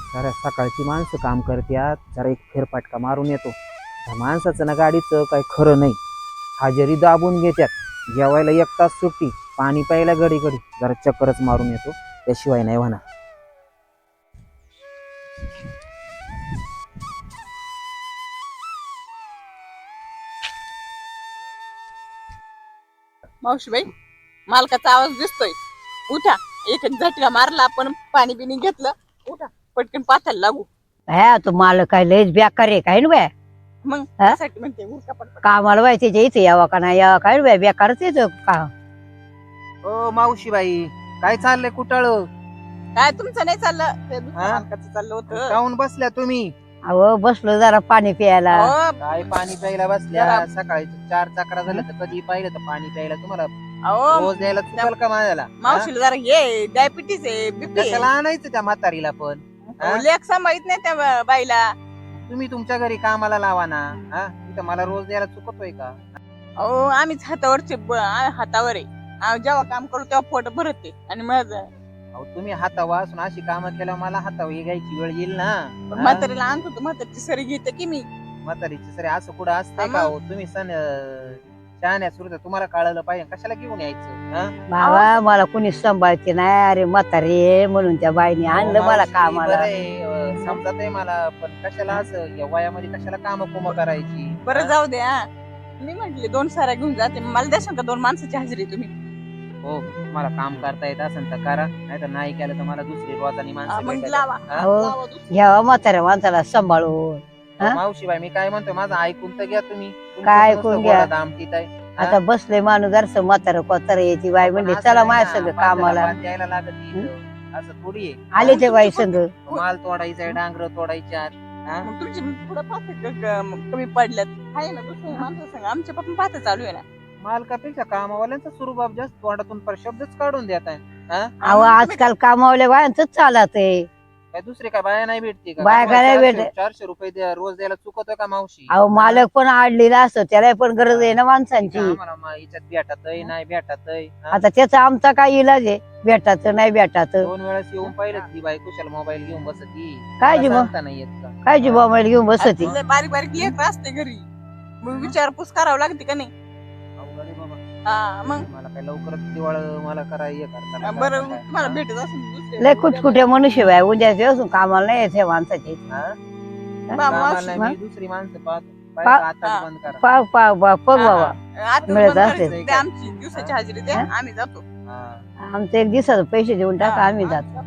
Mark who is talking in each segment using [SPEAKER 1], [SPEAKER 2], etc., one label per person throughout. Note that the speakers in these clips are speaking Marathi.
[SPEAKER 1] जरा सकाळची माणसं काम करत्यात, जरा एक फेरफटका मारून येतो. त्या माणसाचं ना गाडीचं काही खरं नाही. हजेरी दाबून घेत्यात, जेवायला 1 तास सुट्टी, पाणी प्यायला घडी घडी, जरा चक्करच मारून येतो, त्याशिवाय नाही होणार.
[SPEAKER 2] मावशीबाई, मालकाचा आवाज दिसतोय. उठा, एक एक झटका मारला आपण, पाणी बिनी घेतलं. उठा, पटकन पाथायला लागू.
[SPEAKER 3] ह्या तो मालक काय लयच बेकार आहे काय ना बाय.
[SPEAKER 2] मग
[SPEAKER 3] हा?
[SPEAKER 2] त्यासाठी म्हणते उठा पटपट.
[SPEAKER 3] कामाला बाय त्याच्या इथे यावा का नाही यावा काय बाय, बेकारच येतो का.
[SPEAKER 1] ओ मावशीबाई, काय चाललंय कुटाळ?
[SPEAKER 2] काय तुमचं नाही चाललं, ते दुसऱ्या
[SPEAKER 1] हा?
[SPEAKER 2] मालकाचं चाललं होतं.
[SPEAKER 1] जाऊन बसल्या तुम्ही?
[SPEAKER 3] अहो बसलो जरा पाणी प्यायला.
[SPEAKER 2] अहो,
[SPEAKER 1] काय पाणी प्यायला बसल्या?
[SPEAKER 2] जरा-
[SPEAKER 1] सकाळी 4 चक्रा झालं तर कधी पाहिलं तर पाणी प्यायला तुम्हाला
[SPEAKER 2] अहो,
[SPEAKER 1] रोज द्यायला चुकल का माझ्याला?
[SPEAKER 2] मावशीला जरा हे डायबिटीस आहे, बीपी
[SPEAKER 1] कशाला आणायचं त्या म्हातारीला पण? हा?
[SPEAKER 2] लेख सांभाळत नाही त्या बाईला.
[SPEAKER 1] तुम्ही तुमच्या घरी कामाला लावा ना. हा, इथं मला रोज द्यायला चुकतोय का?
[SPEAKER 2] अहो, आम्हीच हातावरचे हातावर आहे. आम्ही जेव्हा काम करू तेव्हा पोट भरते आणि मग
[SPEAKER 1] अहो, तुम्ही हातावा असून अशी कामं केल्यावर मला हातावर घ्यायची वेळ येईल ना. हा?
[SPEAKER 2] म्हातारीला आणतो तर म्हातारीची सरी घेते की मी.
[SPEAKER 1] म्हातारीची सरे असं कुठं असतंय
[SPEAKER 2] हा
[SPEAKER 1] का?
[SPEAKER 2] मग?
[SPEAKER 1] हो तुम्ही शहाण्या सुरत तुम्हाला कळलं पाहिजे, कशाला घेऊन यायचं? हा?
[SPEAKER 3] बाबा मला कुणी सांभाळते नाही, अरे म्हातारी आहे म्हणून त्या बाईने आणलं मला
[SPEAKER 1] मावशी,
[SPEAKER 3] कामाला.
[SPEAKER 1] बरं आहे, समजत आहे मला, पण कशाला असं या वयामध्ये कशाला काम कोम करायची?
[SPEAKER 2] बरं
[SPEAKER 1] हा?
[SPEAKER 2] जाऊ दे. हा, मी म्हंटले 2 साऱ्या घेऊन जाते, मला द्याल का 2 माणसाची हजेरी तुम्ही?
[SPEAKER 1] हो, तुम्हाला काम करता येत असेल तर करा, नाही तर नाही केलं तर मला दुसरी रोजानी
[SPEAKER 2] हा,
[SPEAKER 1] माणसं
[SPEAKER 2] मग
[SPEAKER 1] भेटायला.
[SPEAKER 2] लावा.
[SPEAKER 1] हा?
[SPEAKER 3] हो.
[SPEAKER 2] लावा दुसरी.
[SPEAKER 3] घ्यावा म्हाताऱ्या माणसाला सांभाळून. हा?
[SPEAKER 1] मावशीबाई, मी काय म्हणतो, माझं ऐकून तर घ्या तुम्ही. तुमचं
[SPEAKER 3] काय
[SPEAKER 1] नुसतं
[SPEAKER 3] ऐकून घ्या?
[SPEAKER 1] गोडा दामटीत आहे. हा?
[SPEAKER 3] आता बसले माणूस जरस म्हातारं कोतार यायची बाई म्हणले
[SPEAKER 1] पण असं
[SPEAKER 3] चला
[SPEAKER 1] नाही
[SPEAKER 3] माझ्या
[SPEAKER 1] ना,
[SPEAKER 3] सगळं
[SPEAKER 1] माणसाला
[SPEAKER 3] कामाला.
[SPEAKER 1] भात द्यायला लागत इथं. असं थोडी आहे.
[SPEAKER 3] आले ते बाई संग.
[SPEAKER 1] माल तोडायचा, डांगर तोडायच्या. हा?
[SPEAKER 2] मग तुमची पुढं पाहते कमी पडल्यात आहे ना दुसऱ्या माणसं सांगा, आमच्या पण पाहते चालू आहे ना.
[SPEAKER 1] मालकापेक्षा कामावाल्यांचा स्वरूप जास्त तोंडातून पर शब्दच काढून देत आहे. हा?
[SPEAKER 3] अहो आजकाल कामावल्या बायांच चालत आहे.
[SPEAKER 1] काय दुसरी काय बाया नाही भेटते का?
[SPEAKER 3] बाया
[SPEAKER 1] तुम्हाला
[SPEAKER 3] काय नाही
[SPEAKER 1] 400 रुपये रोज द्यायला चुकतोय का मावशी?
[SPEAKER 3] अहो मालक पण आडलेला असतो, त्याला पण गरज आहे ना माणसांची.
[SPEAKER 1] आम्हाला हिच्यात भेटतय नाही भेटतय. हा?
[SPEAKER 3] आता त्याचा आमचा काय इलाज आहे, भेटाचं नाही भेटाचं.
[SPEAKER 1] 2 वेळेस येऊन पाहिलं ती बाई कुशाल मोबाईल घेऊन बसती.
[SPEAKER 3] काय
[SPEAKER 1] मला
[SPEAKER 3] जी मग?
[SPEAKER 1] सांगता नाही येत का?
[SPEAKER 3] काय जी मोबाईल घेऊन बसती.
[SPEAKER 2] लय बारीक बारीक लेख असते घरी, मग विचारपूस करावं लागते का नाही?
[SPEAKER 1] अवघड आहे बाबा.
[SPEAKER 2] हा, मग
[SPEAKER 1] मला काय लवकरच दिवाळ मला करा हे करता
[SPEAKER 2] बरं तुम्हाला भेटत असेल दुसरे.
[SPEAKER 3] लय कुठकुठे मनुष्य बाय उद्याचे असून कामाला नाही येते माणसाचे.
[SPEAKER 2] मावशी,
[SPEAKER 1] मी दुसरी माणसं पाहतो.
[SPEAKER 3] पा-
[SPEAKER 1] आता बंद करा.
[SPEAKER 3] पाव पाव पाव बघ बाबा.
[SPEAKER 2] आता
[SPEAKER 3] मिळत
[SPEAKER 2] बंद
[SPEAKER 3] असेल.
[SPEAKER 2] करायचं. द्या आमची दिवसाची हजेरी द्या,
[SPEAKER 3] हा?
[SPEAKER 2] आम्ही जातो.
[SPEAKER 1] हा.
[SPEAKER 3] आमचे 1 दिवसाचे पैसे देऊन टाका, आम्ही
[SPEAKER 2] हा,
[SPEAKER 3] जातो.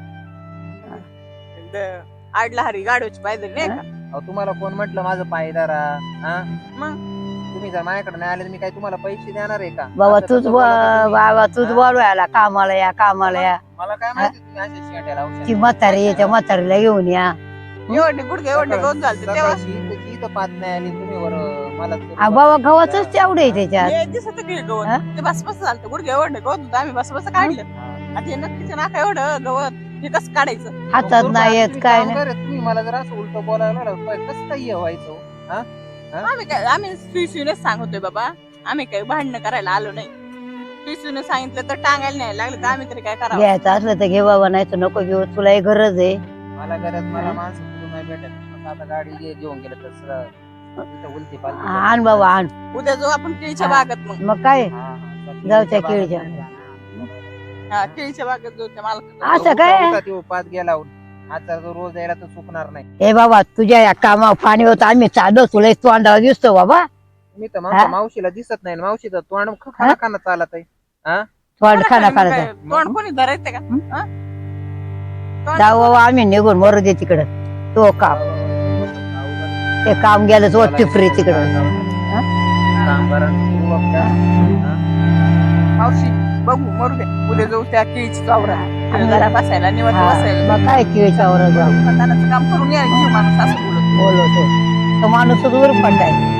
[SPEAKER 2] आडला हरी गाडवाची पाहिजे नाही का?
[SPEAKER 1] अहो, तुम्हाला कोण म्हटलं माझं पायदारा? हा?
[SPEAKER 2] मग
[SPEAKER 1] तुम्ही जर माझ्याकडे नाही आले तर मी काय तुम्हाला पैसे देणार आहे का?
[SPEAKER 3] बाबा
[SPEAKER 1] असं
[SPEAKER 3] तूच
[SPEAKER 1] कसं बोलता तुम्ही?
[SPEAKER 3] बाबा तूच
[SPEAKER 1] हा?
[SPEAKER 3] बोलवायला कामाला या कामाला या.
[SPEAKER 1] मला काय माहिती तुम्ही अशा शेंड्या लावशाल.
[SPEAKER 3] ती म्हातारी आहे, त्या म्हातारीला घेऊन या.
[SPEAKER 2] एवढे गुडघे एवढे गवत झालते तेव्हा.
[SPEAKER 1] सकाळची इथं पात नाही आली तुम्ही वर मला
[SPEAKER 3] बाबा गव्हाच तेवढे आहे त्याच्यात.
[SPEAKER 2] हे दिसत की
[SPEAKER 3] हा?
[SPEAKER 2] गवत ते बस बस झालं गुडघे एवढे गवत होतं, आम्ही बस बस काढलं. आता हे नक्कीच नाका एवढं गवत हे कसं काढायचं?
[SPEAKER 3] हातात नाही येत काय नाही.
[SPEAKER 1] तुम्ही मला जर असं उलट बोलायला लागलं कसं काय हे व्हायचं? हा?
[SPEAKER 2] आम्ही सुईसुईनेच सांगतोय बाबा, आम्ही काही भांडणं करायला आलो नाही. सुईसुईने सांगितलं तर टांगायला नाही लागलं तर आम्ही तरी काय करावं?
[SPEAKER 3] घ्यायचं असलं तर घे बाबा, नाही तर नको घेऊ, तुला एक गरज आहे.
[SPEAKER 1] मला गरज मला माणसं कुठून नाही भेटत. मग आता गाडी घेऊन गेलं तर सरळ इथं उलटी पालटी
[SPEAKER 3] आण बाबा आण.
[SPEAKER 2] उद्या जाऊ आपण केळीच्या
[SPEAKER 3] हा.
[SPEAKER 2] बागेत. मग
[SPEAKER 3] मग काय
[SPEAKER 1] हा, हा.
[SPEAKER 3] जाऊ त्या केळीच्या.
[SPEAKER 2] हा, केळीच्या बागेत जाऊ त्या मालकाकडे.
[SPEAKER 3] असं काय?
[SPEAKER 1] तो पाच गेला आता जो रोज यायला तर चुकणार नाही.
[SPEAKER 3] ए बाबा तुझ्या या कामावर पाणी होतं, आम्ही चाललो, तुला एक तोंडावर दिसतो बाबा.
[SPEAKER 1] मी तर
[SPEAKER 3] हा?
[SPEAKER 1] मावशीला दिसत नाही. मावशीचं तोंड खाना खाना चालत आहे.
[SPEAKER 3] तोंड खाना
[SPEAKER 2] मग
[SPEAKER 3] खाना
[SPEAKER 2] काय, तोंड कोणी धरायचं का? हा? तोंड
[SPEAKER 3] जाऊ बाबा आम्ही निघून मरू दे तिकडं. तो काम ते काम गेलं तो टिपरी तिकडं.
[SPEAKER 2] मावशी बघू मरू दे, उद्या जाऊ त्या केळीची वावरात जरा बसायला निवांत
[SPEAKER 3] हा,
[SPEAKER 2] बसायला.
[SPEAKER 3] मग काय केळीच्यावर जाऊ
[SPEAKER 2] खतानाचं काम करून या घेऊ माणूस असं बोलत.
[SPEAKER 3] बोलवतो तो माणूस वर पडलाय.